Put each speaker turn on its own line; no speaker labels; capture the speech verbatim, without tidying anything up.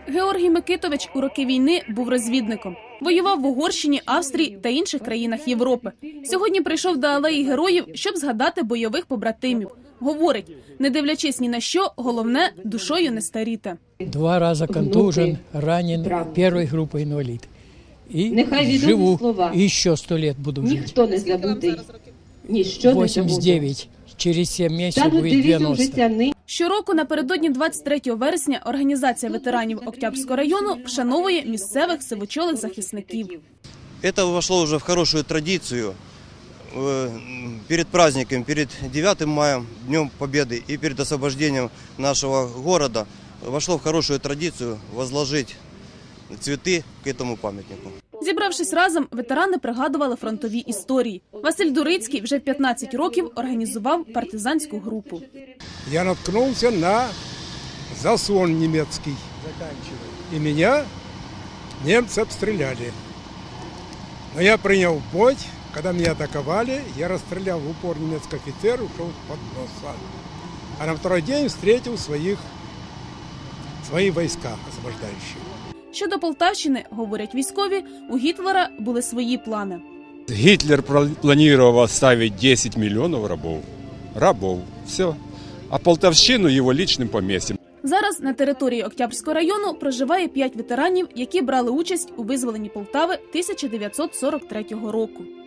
Георгій Микитович у роки війни був розвідником. Воював в Угорщині, Австрії та інших країнах Європи. Сьогодні прийшов до Алеї Героїв, щоб згадати бойових побратимів. Говорить, не дивлячись ні на що, головне – душою не старіти.
Два рази контужен, ранен, першої групи інвалід. І живу, і ще сто років буду жити.
Ніхто не забутий, ніщо не
вісімдесят дев'ять, через сім місяців буде дев'яносто.
Щороку напередодні двадцять третього вересня організація ветеранів Октябрського району вшановує місцевих сивочолих захисників.
Це ввійшло вже в хорошу традицію. Перед праздником, перед дев'ятим мая, Днем Победы и перед освобождением нашего города вошло в хорошую традицию возложить цветы к этому памятнику.
Зібравшись разом, ветерани пригадували фронтові історії. Василь Дурицький вже в п'ятнадцять років організував партизанську групу.
Я наткнувся на заслон німецький, і мене німці обстріляли. Но я прийняв бой, коли мене атакували, я розстріляв в упор німецького офіцера, ушов з-під носа. А на другий день зустрів своїх, свої війська освобождаючі.
Щодо Полтавщини, говорять військові, у Гітлера були свої плани.
Гітлер планував оставити десять мільйонів рабів. Рабів. Все. А Полтавщину його лічним помістям.
Зараз на території Октябрського району проживає п'ять ветеранів, які брали участь у визволенні Полтави тисяча дев'ятсот сорок третього року.